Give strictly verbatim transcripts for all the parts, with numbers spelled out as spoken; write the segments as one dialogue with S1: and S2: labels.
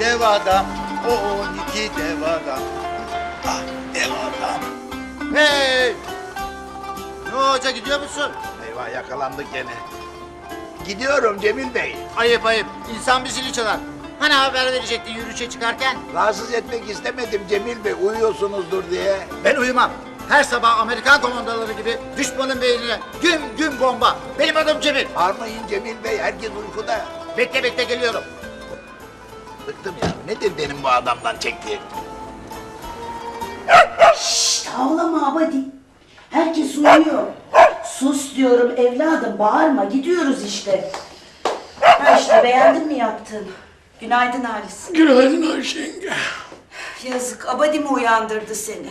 S1: dev adam, o on iki dev adam. Ah dev adam. Hey! Ne hoca gidiyor musun?
S2: Eyvah yakalandık gene. Gidiyorum Cemil Bey.
S1: Ayıp ayıp. İnsan bir zili çalar. Hani haber verecekti yürüyüşe çıkarken?
S2: Rahatsız etmek istemedim Cemil Bey, uyuyorsunuzdur diye.
S1: Ben uyumam. Her sabah Amerikan komandoları gibi düşmanın beynine güm güm bomba. Benim adım Cemil.
S2: Bağırmayın Cemil Bey, herkes uykuda.
S1: Bekle bekle geliyorum.
S2: Bıktım ya, nedir benim bu adamdan çektiğim?
S3: Şşt, havlama Abadi. Herkes uyuyor. Sus diyorum evladım, bağırma. Gidiyoruz işte. Ha işte, beğendin mi yaptığını? Günaydın Halis.
S4: Günaydın Ayşe yenge.
S3: Yazık, Abadi mi uyandırdı seni?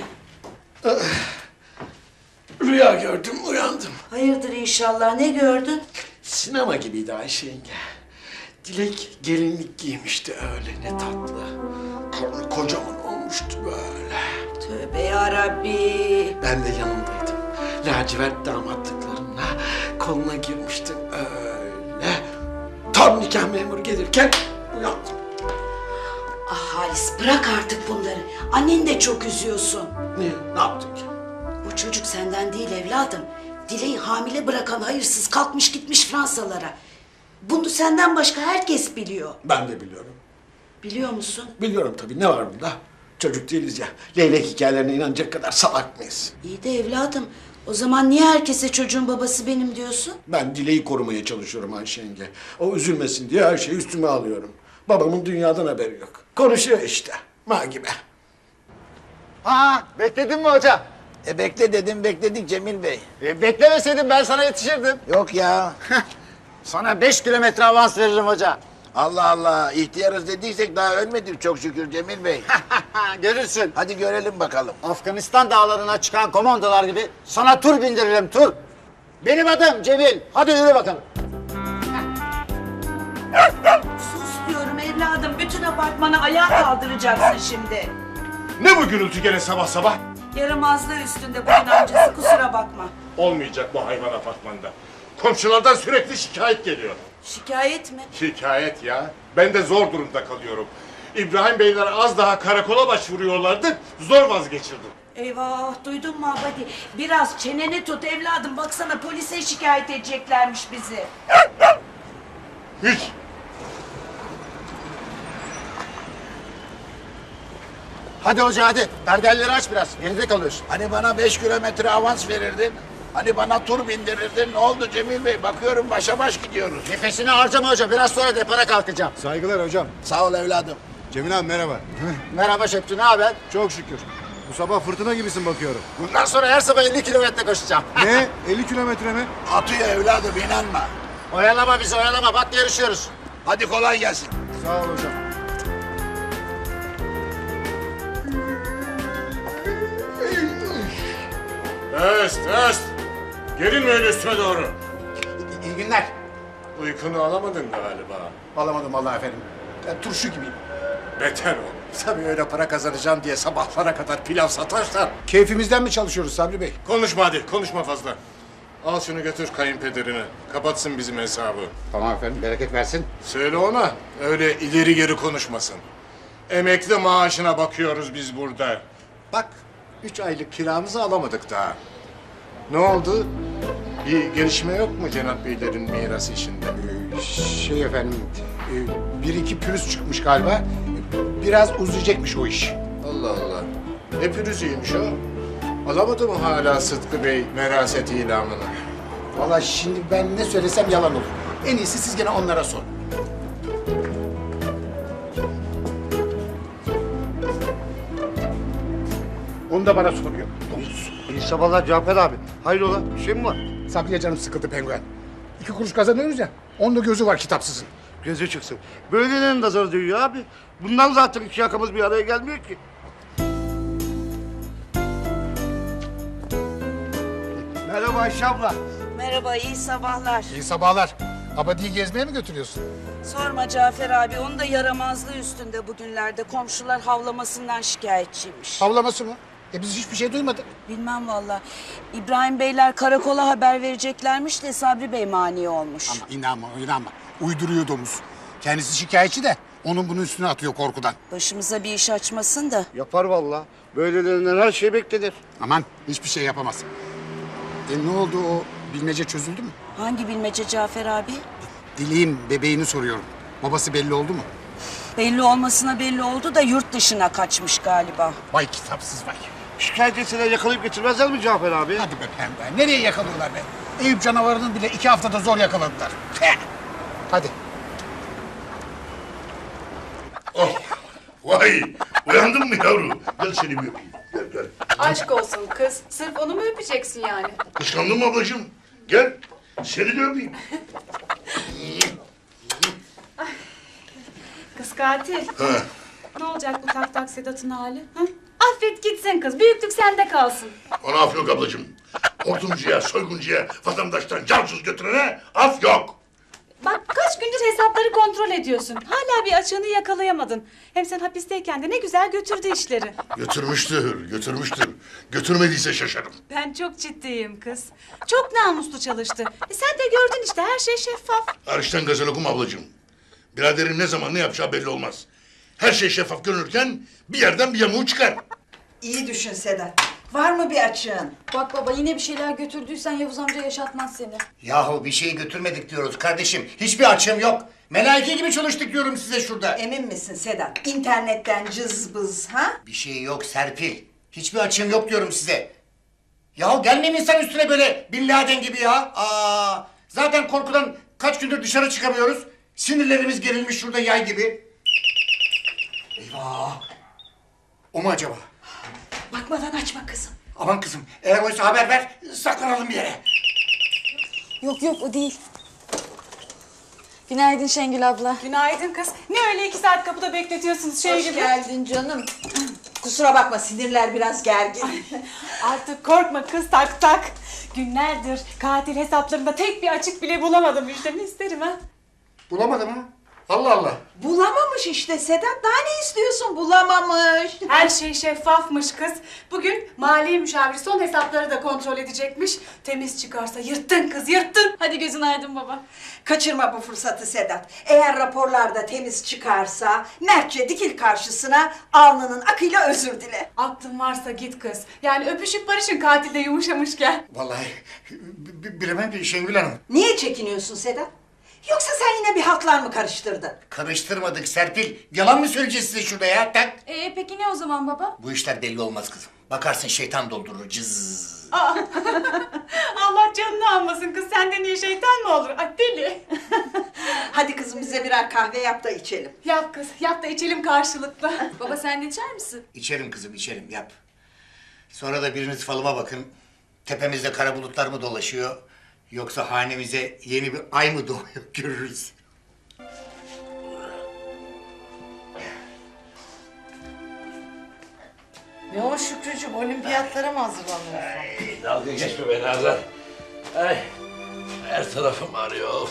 S4: Rüya gördüm, uyandım.
S3: Hayırdır inşallah, ne gördün?
S4: Sinema gibiydi Ayşe yenge. Dilek gelinlik giymişti öyle, ne tatlı. Karnı kocaman olmuştu böyle.
S3: Tövbe yarabbi.
S4: Ben de yanındaydım. Lacivert damatlıklarımla koluna girmiştim öyle. Tam nikah memuru gelirken uyandım.
S3: Ah Halis, bırak artık bunları. Anneni de çok üzüyorsun.
S4: Niye? Ne yaptım ki?
S3: Bu çocuk senden değil evladım. Dileği hamile bırakan hayırsız kalkmış gitmiş Fransalara. Bunu senden başka herkes biliyor.
S4: Ben de biliyorum.
S3: Biliyor musun?
S4: Biliyorum tabii, ne var bunda? Çocuk değiliz ya. Leylek hikayelerine inanacak kadar salak mıyız?
S3: İyi de evladım, o zaman niye herkese çocuğun babası benim diyorsun?
S4: Ben Dileği korumaya çalışıyorum Ayşe yenge. O üzülmesin diye her şeyi üstüme alıyorum. Babamın dünyadan haberi yok. Konuşuyor işte. Ma gibi.
S1: Ha, bekledin mi hoca?
S2: E bekle dedim, bekledik Cemil Bey.
S1: E, beklemeseydin ben sana yetişirdim.
S2: Yok ya.
S1: Sana beş kilometre avans veririm hoca.
S2: Allah Allah, ihtiyarız dediysek daha ölmedik çok şükür Cemil Bey.
S1: Görürsün.
S2: Hadi görelim bakalım.
S1: Afganistan dağlarına çıkan komandolar gibi sana tur bindiririm tur. Benim adım Cemil. Hadi yürü bakalım.
S3: Sus diyorum evladım, bütün apartmanı ayağa kaldıracaksın şimdi.
S5: Ne bu gürültü gene sabah sabah?
S3: Yaramazlığı üstünde bugün amcası, kusura bakma.
S5: Olmayacak bu hayvan apartmanda. Komşulardan sürekli şikayet geliyor.
S3: Şikayet mi?
S5: Şikayet ya. Ben de zor durumda kalıyorum. İbrahim Beyler az daha karakola başvuruyorlardı. Zor vazgeçirdim.
S3: Eyvah, duydun mu Abadi? Biraz çeneni tut evladım, baksana polise şikayet edeceklermiş bizi.
S5: Hiç.
S1: Hadi hoca hadi. Perdeleri aç biraz. Geride kalıyorsun.
S2: Hani bana beş kilometre avans verirdin? Hani bana tur bindirirdin? Ne oldu Cemil Bey? Bakıyorum başa baş gidiyoruz.
S1: Nefesini harcama hoca. Biraz sonra depara kalkacağım.
S6: Saygılar hocam.
S2: Sağ ol evladım.
S6: Cemil abi merhaba.
S1: Merhaba Şepti, ne haber?
S6: Çok şükür. Bu sabah fırtına gibisin bakıyorum.
S1: Bundan sonra her sabah elli kilometre koşacağım.
S6: Ne? elli kilometre mi?
S2: Atıyor evladım, inanma.
S1: Oyalama bizi, oyalama. Bak yarışıyoruz.
S2: Hadi kolay gelsin.
S6: Sağ ol hocam.
S5: Öst, öst. Gerilme öyle üstüme doğru.
S1: İyi günler.
S5: Uykunu alamadın galiba.
S1: Alamadım vallahi efendim. Ben turşu gibiyim.
S5: Beter ol. Tabii öyle para kazanacağım diye sabahlara kadar pilav satarsan.
S1: Keyfimizden mi çalışıyoruz Sabri Bey?
S5: Konuşma hadi, konuşma fazla. Al şunu götür kayınpederine. Kapatsın bizim hesabı.
S1: Tamam efendim, bereket versin.
S5: Söyle ona, öyle ileri geri konuşmasın. Emekli maaşına bakıyoruz biz burada. Bak, üç aylık kiramızı alamadık daha. Ne oldu? Bir gelişme yok mu Cenap Beylerin mirası işinde?
S7: Şey efendim, e, bir iki pürüz çıkmış galiba. Biraz uzayacakmış o iş.
S5: Allah Allah. Ne pürüzüymüş o? Alamadı mı hala Sıtkı Bey veraset ilamını?
S7: Vallahi şimdi ben ne söylesem yalan olur. En iyisi siz gene onlara sorun. Onu da bana soruyor. Domuz.
S6: İyi sabahlar Cafer abi. Hayrola? Bir şey mi var?
S7: Sabriye canım sıkıldı penguen. İki kuruş kazanıyoruz ya. Onda gözü var kitapsızın.
S6: Gözü çıksın. Böylelerinin nazarı değiyor abi. Bundan zaten iki yakamız bir araya gelmiyor ki. Merhaba Ayşe abla.
S3: Merhaba, iyi sabahlar.
S7: İyi sabahlar. Abadi'yi gezmeye mi götürüyorsun?
S3: Sorma Cafer abi, onun da yaramazlığı üstünde bugünlerde. Komşular havlamasından şikayetçiymiş.
S7: Havlaması mı? E biz hiçbir şey duymadık.
S3: Bilmem valla. İbrahim Beyler karakola haber vereceklermiş de Sabri Bey mani olmuş.
S7: Ama inanma, inanma. Uyduruyor domuz. Kendisi şikayetçi de Onun bunun üstüne atıyor korkudan.
S3: Başımıza bir iş açmasın da.
S6: Yapar vallahi. Böylelerinden her şey beklenir.
S7: Aman hiçbir şey yapamaz. E ne oldu o bilmece çözüldü mü?
S3: Hangi bilmece Cafer abi?
S7: Dileğin bebeğini soruyorum. Babası belli oldu mu?
S3: Belli olmasına belli oldu da yurt dışına kaçmış galiba.
S7: Vay kitapsız vay.
S6: Şikayet etseler yakalayıp getirmezler mi Cafer abi?
S7: Hadi be pembe. Nereye yakalıyorlar be? Eyüp canavarının bile iki haftada zor yakaladılar. Teh! Hadi.
S8: Oh, vay! Uyandın mı yavrum? Gel seni bir öpeyim. Gel gel.
S9: Aşk olsun kız. Sırf onu mu öpeceksin yani?
S8: Kıskandın mı ablacığım? Gel. Seni de öpeyim.
S9: Kız katil.
S8: Ha.
S9: Ne olacak bu tak tak Sedat'ın hali? Ha? Affet gitsin kız. Büyüklük sende kalsın.
S8: Ona af yok ablacığım. Hortumcuya, soyguncuya, vatandaştan cansız götürene af yok.
S9: Bak kaç gündür hesapları kontrol ediyorsun. Hala bir açığını yakalayamadın. Hem sen hapisteyken de ne güzel götürdü işleri.
S8: Götürmüştür, götürmüştür. Götürmediyse şaşarım.
S9: Ben çok ciddiyim kız. Çok namuslu çalıştı. E sen de gördün işte her şey şeffaf.
S8: Hariçten gazel okuma ablacığım. Biraderin ne zaman ne yapacağı belli olmaz. Her şey şeffaf görünürken bir yerden bir yamuğu çıkar.
S3: İyi düşün Sedat. Var mı bir açığın?
S9: Bak baba yine bir şeyler götürdüysen Yavuz amca yaşatmaz seni.
S2: Yahu bir şey götürmedik diyoruz kardeşim. Hiçbir açığım yok. Melaike gibi çalıştık diyorum size şurada.
S3: Emin misin Sedat? İnternetten cız bız ha?
S2: Bir şey yok Serpil. Hiçbir açığım yok diyorum size. Yahu gelmeyin insan üstüne böyle Bin Laden gibi ya. Aa, zaten korkudan kaç gündür dışarı çıkamıyoruz. Sinirlerimiz gerilmiş şurada yay gibi. Eyvah. O mu acaba?
S3: Bakmadan açma kızım.
S2: Aman kızım eğer oysa haber ver saklanalım bir yere.
S9: Yok yok o değil. Günaydın Şengül abla.
S10: Günaydın kız. Ne öyle iki saat kapıda bekletiyorsunuz şey
S9: Hoş
S10: gibi?
S9: geldin canım.
S3: Kusura bakma sinirler biraz gergin.
S10: Artık korkma kız tak tak. Günlerdir katil hesaplarında tek bir açık bile bulamadım müjdemi isterim ha.
S7: Bulamadım ha. Allah Allah.
S3: Bulamamış işte Sedat. Daha ne istiyorsun? Bulamamış.
S10: Her şey şeffafmış kız. Bugün maliye müşaviri son hesapları da kontrol edecekmiş. Temiz çıkarsa yırttın kız yırttın.
S9: Hadi gözün aydın baba.
S3: Kaçırma bu fırsatı Sedat. Eğer raporlarda temiz çıkarsa mertçe dikil karşısına, alnının akıyla özür dile.
S10: Aklın varsa git kız. Yani öpüşüp barışın katilde yumuşamışken.
S7: Vallahi b- b- bilemem ki Şengül Hanım.
S3: Niye çekiniyorsun Sedat? Yoksa sen yine bir hatlar mı karıştırdın?
S2: Karıştırmadık Serpil. Yalan mı söyleyeceğiz size şurada ya? Tak.
S9: Ee peki ne o zaman baba?
S2: Bu işler belli olmaz kızım. Bakarsın şeytan doldurur cız.
S10: Allah canını almasın kız. Senden iyi şeytan mı olur? Ay deli.
S3: Hadi kızım bize birer kahve yap da içelim.
S10: Yap kız. Yap da içelim karşılıklı.
S9: Baba sen de içer misin?
S2: İçerim kızım içerim yap. Sonra da biriniz falıma bakın. Tepemizde kara bulutlar mı dolaşıyor? Yoksa hanemize yeni bir ay mı doğuyor görürüz.
S3: Ne o Şükrücüğüm, olimpiyatlara mı hazırlanıyorsun?
S11: Dalga geçme be Nazan. Ay, her tarafım ağrıyor.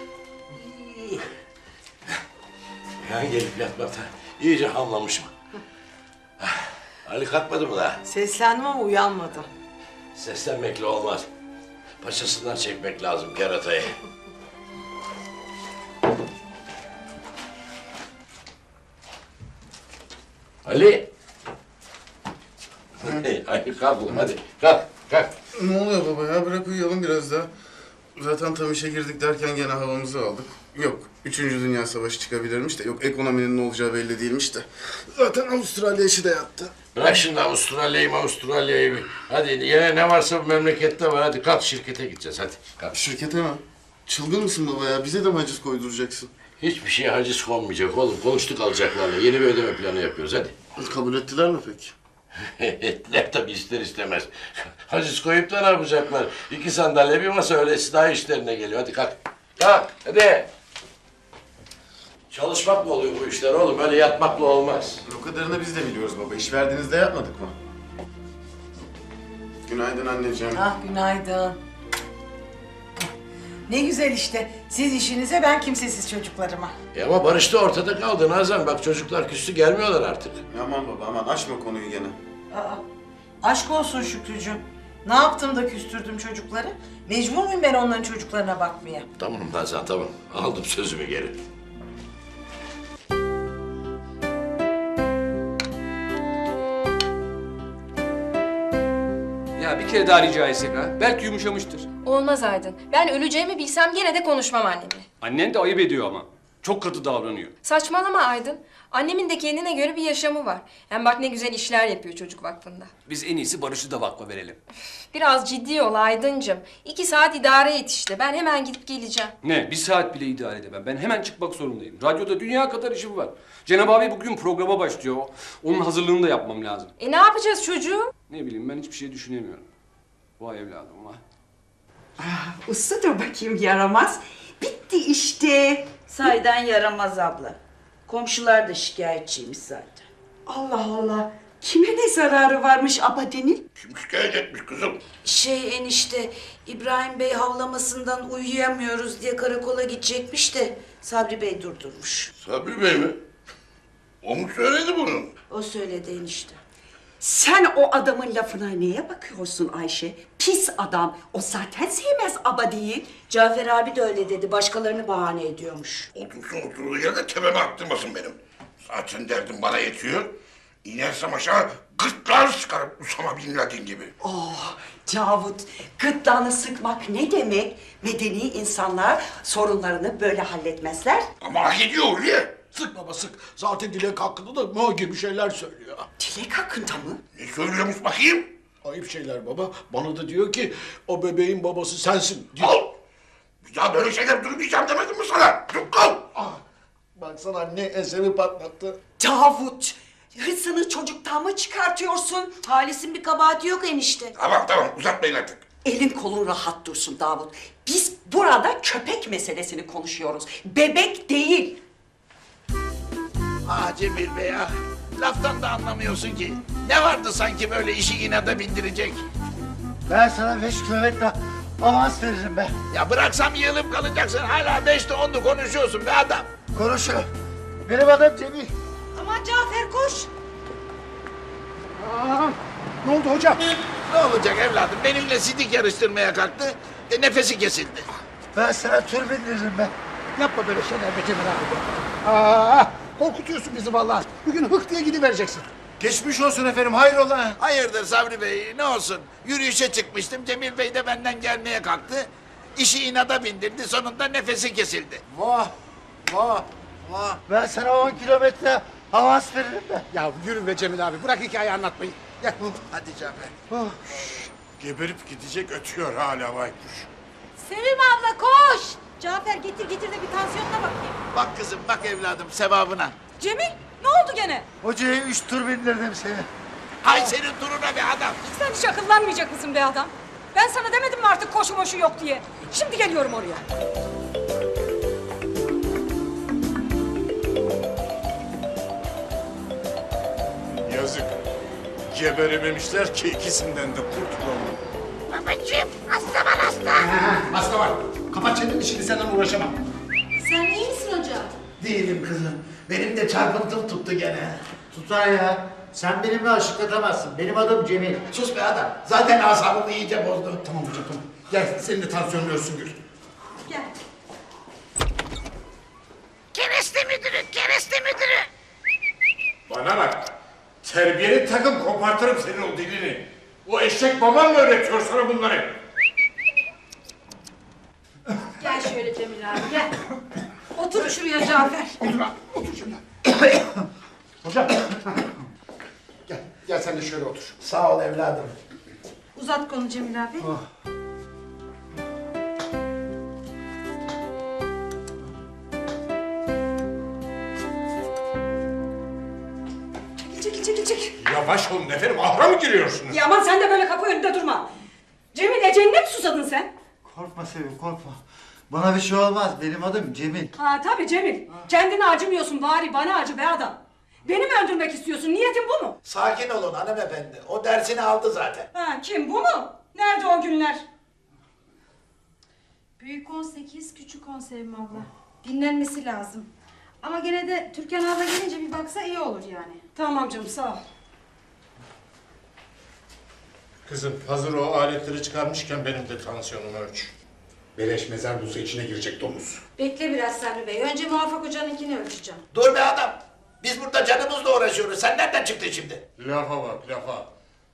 S11: Yani gelip yatmaktan iyice hamlamışım. Ali kalkmadı mı daha?
S3: Seslendim ama uyanmadı.
S11: Seslenmekle olmaz. Paçasından çekmek lazım keratayı. Ali! Hadi kalk oğlum hadi. Kalk, kalk.
S12: Ne oluyor baba ya? Bırak uyuyalım biraz daha. Zaten tam işe girdik derken gene havamızı aldık. Yok, Üçüncü Dünya Savaşı çıkabilirmiş de, yok ekonominin ne olacağı belli değilmiş de. Zaten Avustralya işi de yattı.
S11: Bırak şimdi Avustralya'yı Avustralya'yı bir. Hadi yine ne varsa bu memlekette var. Hadi kalk şirkete gideceğiz hadi. Kalk.
S12: Şirkete mi? Çılgın mısın baba ya? Bize de mi haciz koyduracaksın?
S11: Hiçbir şeye haciz konmayacak oğlum. Konuştuk alacaklarla. Yeni bir ödeme planı yapıyoruz hadi.
S12: Kabul ettiler mi peki?
S11: Ettiler tabii ister istemez. Haciz koyup da ne yapacaklar? İki sandalye bir masa öylesi daha işlerine geliyor. Hadi kalk. Kalk hadi. Çalışmakla oluyor bu işler oğlum. Öyle yatmakla olmaz.
S12: O kadarını biz de biliyoruz baba. İş verdiğinizde yapmadık mı? Günaydın anneciğim.
S3: Ah günaydın. Ne güzel işte. Siz işinize, ben kimsesiz çocuklarıma.
S11: E ama Barış da ortada kaldı Nazan. Bak çocuklar küstü gelmiyorlar artık.
S12: Aman baba aman açma konuyu gene.
S3: Aa, aşk olsun Şükrücüğüm. Ne yaptım da küstürdüm çocukları? Mecbur muyum ben onların çocuklarına bakmaya?
S11: Tamam Nazan tamam. Aldım sözümü geri.
S13: Ya bir kere daha rica etsek ha. Belki yumuşamıştır.
S14: Olmaz Aydın. Ben öleceğimi bilsem yine de konuşmam annemle.
S13: Annen de ayıp ediyor ama. Çok katı davranıyor.
S14: Saçmalama Aydın. Annemin de kendine göre bir yaşamı var. Hem bak ne güzel işler yapıyor çocuk vakfında.
S13: Biz en iyisi Barış'ı da vakfa verelim.
S14: Biraz ciddi ol Aydıncığım. İki saat idare et işte. Ben hemen gidip geleceğim.
S13: Ne? Bir saat bile idare edemem. Ben hemen çıkmak zorundayım. Radyoda dünya kadar işim var. Cenab abi bugün programa başlıyor. Onun hazırlığını da yapmam lazım.
S14: E ne yapacağız çocuğu?
S13: Ne bileyim ben hiçbir şey düşünemiyorum. Vay evladım vay.
S3: Ah, usta dur bakayım yaramaz. Bitti işte. Sayden yaramaz abla. Komşular da şikayetçiymiş zaten. Allah Allah. Kime ne zararı varmış Abade'nin?
S8: Kim şikayet etmiş kızım?
S3: Şey enişte, İbrahim Bey havlamasından uyuyamıyoruz diye karakola gidecekmiş de Sabri Bey durdurmuş.
S8: Sabri Bey mi? O mu söyledi bunu?
S3: O söyledi enişte.
S15: Sen o adamın lafına neye bakıyorsun Ayşe? Pis adam. O zaten sevmez Abadi'yi.
S3: Cafer abi de öyle dedi. Başkalarını bahane ediyormuş.
S8: Otursun oturduğu yerde tepeme attırmasın benim. Zaten derdim bana yetiyor. İnersem aşağı gırtlar sıkarım Usama Bin Laden gibi.
S15: Oh Cavut, gırtlağını sıkmak ne demek? Medeni insanlar sorunlarını böyle halletmezler.
S8: Ama hak ediyor Hulya.
S4: Sık baba sık. Zaten Dilek hakkında da mı gibi şeyler söylüyor.
S15: Dilek hakkında mı?
S8: Ne söylüyormuş bakayım?
S4: Ayıp şeyler baba. Bana da diyor ki o bebeğin babası sensin diyor.
S8: Al! Bir daha böyle şeyler duymayacağım demedim mi sana? Yok kal!
S4: Ah, baksana ne esemi patlattı.
S15: Davut, hırsını çocuktan mı çıkartıyorsun?
S3: Halis'in bir kabahati yok enişte.
S8: Tamam tamam uzatmayın artık.
S15: Elin kolun rahat dursun Davut. Biz burada köpek meselesini konuşuyoruz. Bebek değil.
S16: Ah Cemil Bey ah. Laftan da anlamıyorsun ki. Ne vardı sanki böyle işi inada bindirecek?
S6: Ben sana beş kilometre avans veririm be.
S16: Ya bıraksam yığılıp kalacaksın. Hala beşte onlu konuşuyorsun be adam.
S6: Konuşuyor. Benim adım Cemil.
S3: Aman Cafer koş.
S4: Aa, ne oldu hocam?
S16: Ne olacak evladım? Benimle sidik yarıştırmaya kalktı. E, nefesi kesildi.
S6: Ben sana tur bindiririm be.
S4: Yapma böyle şeyler be Cemil abi. Aa, korkutuyorsun bizi vallahi. Bugün hık diye gidivereceksin.
S6: Geçmiş olsun efendim, hayrola?
S16: Hayırdır Sabri Bey ne olsun? Yürüyüşe çıkmıştım. Cemil Bey de benden gelmeye kalktı. İşi inada bindirdi. Sonunda nefesi kesildi.
S6: Vah, vah, vah. Ben sana on kilometre avans veririm be.
S4: Ya yürü be Cemil abi. Bırak hikaye anlatmayı. Gel.
S16: Hadi Cafer.
S5: Oh. Geberip gidecek ötüyor hala baykuş.
S9: Sevim abla koş. Cafer getir getir de bir tansiyonuna bakayım.
S16: Bak kızım bak evladım sevabına.
S9: Cemil ne oldu gene?
S6: Hocaya üç tur bindirdim seni.
S16: Hay senin duruna be adam.
S9: Sen hiç akıllanmayacak mısın be adam? Ben sana demedim mi artık koşu moşu yok diye? Şimdi geliyorum oraya.
S5: Yazık. Geberememişler ki ikisinden de kurtulalım.
S16: Babacığım hasta var hasta.
S4: Hasta var. Kapat çeneni şimdi senden uğraşamam.
S9: Sen iyi misin hocam?
S16: Değilim kızım. Benim de çarpıntım tuttu gene.
S6: Tutar ya. Sen benimle aşıklatamazsın. Benim adım Cemil.
S16: Sus be adam. Zaten asabımı iyice bozdu.
S4: Tamam hocam tamam. Gel senin de tansiyonun ölsün Gül.
S9: Gel.
S16: Kereste müdürü, kereste müdürü.
S5: Bana bak. Terbiyeli takım kopartırım senin o dilini. O eşek baban mı öğretiyor sana bunları?
S9: Gel şöyle Cemil abi gel. Otur şuraya Cafer.
S4: Otur abi, otur şimdi. Hocam. Gel, gel sen de şöyle otur.
S16: Sağ ol evladım.
S9: Uzat konu Cemil abi.
S6: Oh.
S9: Çekil çekil çekil çekil.
S5: Yavaş olun efendim. Ahra mı giriyorsunuz?
S9: Ya aman sen de böyle kapı önünde durma. Cemil eceline mi susadın sen?
S6: Korkma Sevim, korkma. Bana bir şey olmaz. Benim adım Cemil.
S9: Ha tabii Cemil. Kendine acımıyorsun bari bana acı be adam. Beni mi öldürmek istiyorsun? Niyetin bu mu?
S16: Sakin olun hanımefendi. O dersini aldı zaten.
S9: Ha kim bu mu? Nerede o günler?
S17: Büyük on sekiz, küçük on Sevim abla. Dinlenmesi lazım. Ama gene de Türkan abla gelince bir baksa iyi olur yani.
S9: Tamam canım sağ ol.
S5: Kızım hazır o aletleri çıkarmışken benim de tansiyonumu ölç.
S4: Beleş mezar bulsa içine girecek domuz.
S17: Bekle biraz Sabri Bey. Önce Muvaffak Hoca'nınkini ölçeceğim.
S16: Dur be adam. Biz burada canımızla uğraşıyoruz. Sen nereden çıktın şimdi?
S5: Lafa bak lafa.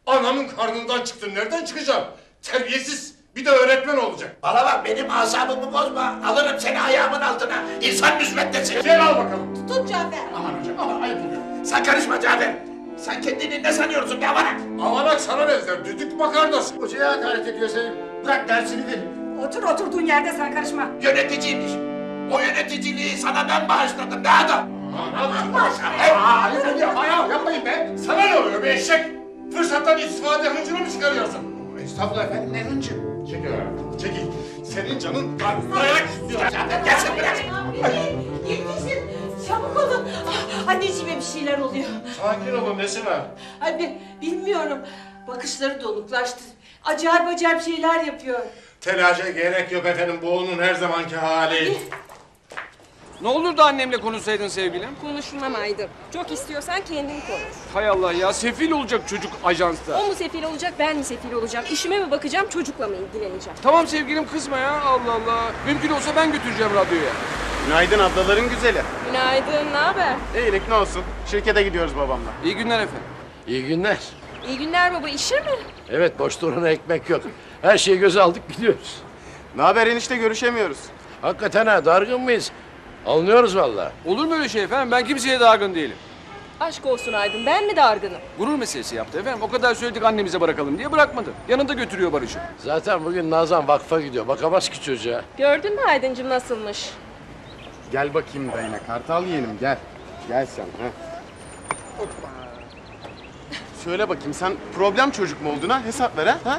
S5: Anamın karnından çıktın. Nereden çıkacağım? Terbiyesiz. Bir de öğretmen olacak.
S16: Bana bak benim asabımı bozma. Alırım seni ayağımın altına. İnsan müsveddesin.
S5: Gel al bakalım.
S17: Tut Cafer.
S16: Aman hocam aman ayıp oluyor. Sen karışma Cafer. Sen kendini ne sanıyorsun be avanak?
S5: Avanak sana benzer. Düdük makarnası.
S2: Hocaya hakaret ediyor seni. Bırak dersini verin.
S17: Otur oturduğun yerde sen karışma.
S16: Yöneticiymiş. O yöneticiliği sana ben bağışladım ne adam?
S5: Aa, yapma ya, yapmayın be. Sana ne oluyor be eşek? Fırsattan istifade hıncını mı çıkarıyorsun?
S2: Estağfurullah efendim ne hıncı?
S5: Çekil abi, çekil. Senin canın dayak istiyor.
S16: Gelsin biraz.
S3: Yetişin. Çabuk olun. Ah, anneciğime bir şeyler oluyor.
S5: Sakin olun, nesi var?
S3: Ay bi- bilmiyorum. Bakışları donuklaştı. Acayip acayip şeyler yapıyor.
S5: Telaşa gerek yok efendim, bu onun her zamanki hali.
S13: Ne olurdu annemle konuşsaydın sevgilim?
S14: Konuşmam Aydın. Çok istiyorsan kendin konuş.
S13: Hay Allah ya, sefil olacak çocuk ajansta.
S14: O mu sefil olacak, ben mi sefil olacağım? İşime mi bakacağım, çocukla mı ilgileneceğim?
S13: Tamam sevgilim, kızma ya, Allah Allah. Mümkün olsa ben götüreceğim radyoya.
S18: Günaydın ablaların güzeli.
S14: Günaydın, ne haber?
S18: İyilik ne olsun. Şirkete gidiyoruz babamla.
S13: İyi günler efendim.
S11: İyi günler.
S14: İyi günler baba, işe mi?
S11: Evet, boş duruna ekmek yok. Her şeyi göze aldık, gidiyoruz.
S18: Ne haber enişte, görüşemiyoruz.
S11: Hakikaten ha, dargın mıyız? Alınıyoruz vallahi.
S13: Olur mu öyle şey efendim? Ben kimseye dargın değilim.
S14: Aşk olsun Aydın, ben mi dargınım?
S13: Gurur meselesi yaptı efendim. O kadar söyledik annemize bırakalım diye bırakmadı. Yanında götürüyor Barış'ı.
S11: Zaten bugün Nazan vakfa gidiyor. Bakamaz ki çocuğa.
S14: Gördün mü Aydıncığım nasılmış?
S18: Gel bakayım dayına, kartal yeğenim gel. Gel sen. Ha. Hoppa. Söyle bakayım, sen problem çocuk mu oldun ha? Hesap ver ha? ha?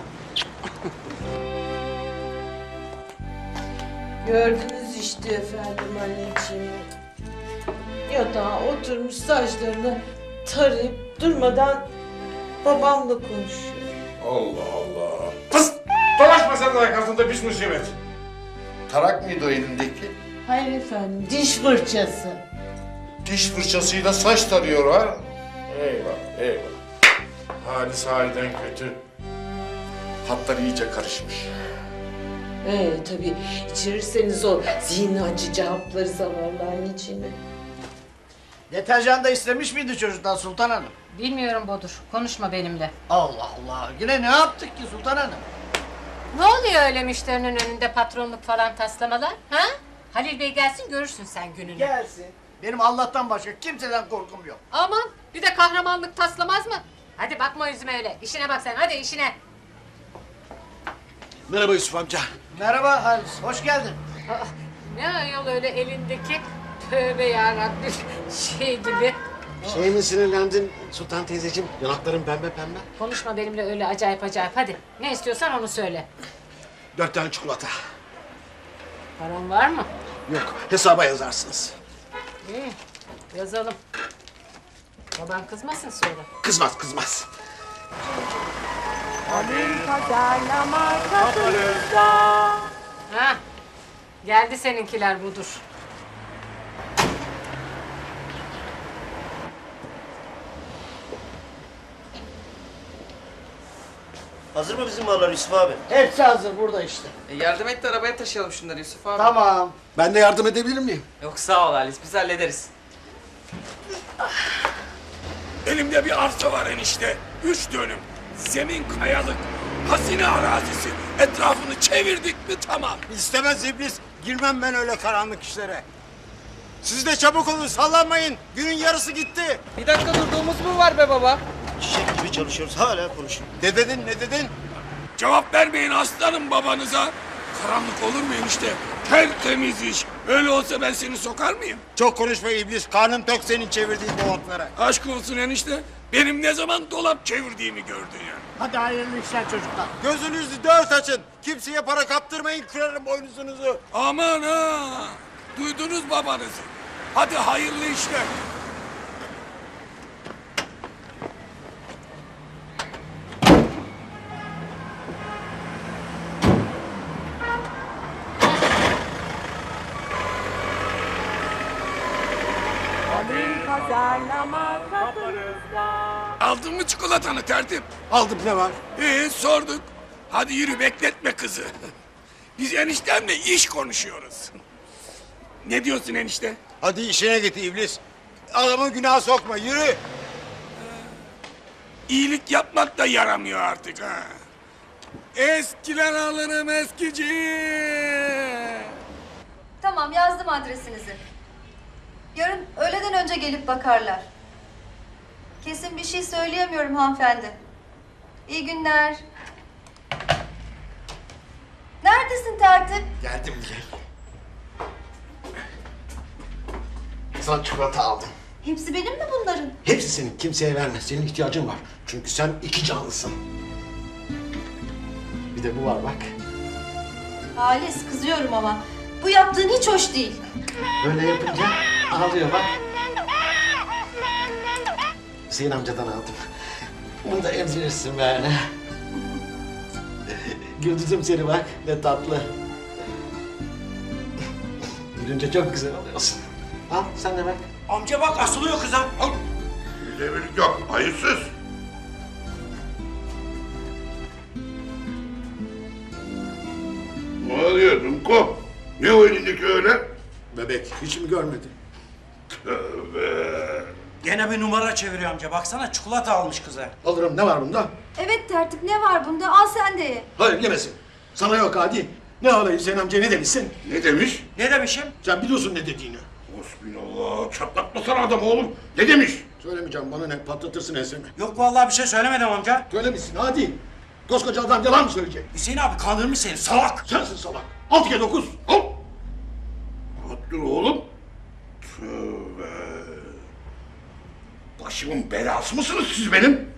S3: Gördünüz işte efendim anneciğim. Yatağa oturmuş saçlarını tarayıp durmadan babamla konuşuyor.
S5: Allah Allah. Pıs! Dolaşma sen de arkasında bir musibet.
S8: Tarak mıydı o elindeki?
S3: Hayır efendim, diş fırçası.
S5: Diş fırçasıyla saç tarıyor ha. Eyvah, eyvah. Hali sahiden kötü. Hatlar iyice karışmış.
S3: Ee tabii içirirseniz o zihni açıcı hapları zavallı anneciğime.
S6: Deterjan da istemiş miydi çocuktan Sultan Hanım?
S19: Bilmiyorum Bodur. Konuşma benimle.
S6: Allah Allah. Yine ne yaptık ki Sultan Hanım?
S19: Ne oluyor öyle müşterinin önünde patronluk falan taslamalar? Ha? Halil Bey gelsin görürsün sen gününü.
S6: Gelsin. Benim Allah'tan başka kimseden korkum yok.
S19: Aman bir de kahramanlık taslamaz mı? Hadi bakma yüzüme öyle. İşine bak sen hadi işine.
S6: Merhaba Yusuf amca. Merhaba Halis. Hoş geldin.
S19: Aa, ne ayol öyle elindeki tövbe yarabbim şey gibi.
S7: Şey mi sinirlendin Sultan teyzeciğim? Yanakların pembe pembe.
S19: Konuşma benimle öyle acayip acayip hadi. Ne istiyorsan onu söyle.
S7: Dört tane çikolata.
S19: Paran var mı?
S7: Yok, hesaba yazarsınız.
S19: İyi yazalım. Baban kızmasın sonra.
S7: Kızmaz, kızmaz.
S19: Ha, geldi seninkiler budur.
S6: Hazır mı bizim mallar Yusuf abi? Hepsi hazır burada işte.
S20: E yardım et de arabaya taşıyalım şunları Yusuf abi.
S6: Tamam.
S7: Ben de yardım edebilir miyim?
S20: Yok sağ ol Halis biz hallederiz.
S8: Elimde bir arsa var enişte. Üç dönüm. Zemin kayalık. Hazine arazisi. Etrafını çevirdik mi tamam.
S6: İstemez iblis. Girmem ben öyle karanlık işlere. Siz de çabuk olun, sallanmayın. Günün yarısı gitti.
S20: Bir dakika durduğumuz mu var be baba?
S6: Çiçek gibi çalışıyoruz, hala konuşun. Ne dedin, ne dedin?
S8: Cevap vermeyin aslanım babanıza. Karanlık olur mu enişte? Tertemiz iş. Öyle olsa ben seni sokar mıyım?
S6: Çok konuşma iblis, karnın tok senin çevirdiğin dolaplara.
S8: Aşk olsun enişte. Benim ne zaman dolap çevirdiğimi gördün ya.
S6: Hadi hayırlı işler çocuklar. Gözünüzü dört açın. Kimseye para kaptırmayın, kırarım boynuzunuzu.
S8: Aman ha! Duydunuz babanızı. Hadi hayırlı işler. Aldın mı çikolatanı tertip?
S6: Aldım, ne var?
S8: Ee sorduk. Hadi yürü bekletme kızı. Biz eniştemle iş konuşuyoruz. Ne diyorsun enişte?
S6: Hadi işine git iblis. Adamın günah sokma, yürü.
S8: iyilik yapmak da yaramıyor artık ha.
S6: Eskiler alırım eskici.
S21: Tamam yazdım adresinizi. Yarın öğleden önce gelip bakarlar. Kesin bir şey söyleyemiyorum hanımefendi. İyi günler. Neredesin tertip?
S4: Geldim Dilek. Sana çikolata aldım.
S21: Hepsi benim mi bunların?
S4: Hepsi senin, kimseye verme. Senin ihtiyacın var. Çünkü sen iki canlısın. Bir de bu var bak.
S21: Halis kızıyorum ama. Bu yaptığın hiç hoş değil.
S4: Böyle yapınca ağlıyor bak. Hüseyin amcadan aldım. Bunu da emzirirsin böyle. Güldürdüm seni bak, ne tatlı. Gülünce çok güzel oluyorsun. Al, sen de bak.
S6: Amca bak asılıyor kıza.
S8: Al. Devirlik yok, hayırsız. Ne oluyor Dumko? Ne o elindeki öyle?
S4: Bebek, hiç mi görmedin?
S8: Tövbe.
S6: Gene bir numara çeviriyor amca. Baksana çikolata almış kıza.
S4: Alırım, ne var bunda?
S21: Evet tertip ne var bunda? Al sen de ye.
S4: Hayır, yemesin. Sana yok Hadi. Ne alayım Hüseyin amca, ne demişsin?
S8: Ne demiş?
S6: Ne demişim?
S4: Sen biliyorsun ne dediğini.
S8: Hasbinallah, çatlatmasana adam oğlum. Ne demiş?
S4: Söylemeyeceğim, bana ne, patlatırsın ensemi.
S6: Yok vallahi bir şey söylemedim amca.
S4: Söylemişsin, hadi. Koskoca adam yalan mı söyleyecek?
S6: Hüseyin abi kandırmış seni salak.
S4: Sensin salak. Altı kere dokuz.
S8: Al. Rahat dur oğlum. Tövbe. Başımın belası mısınız siz benim?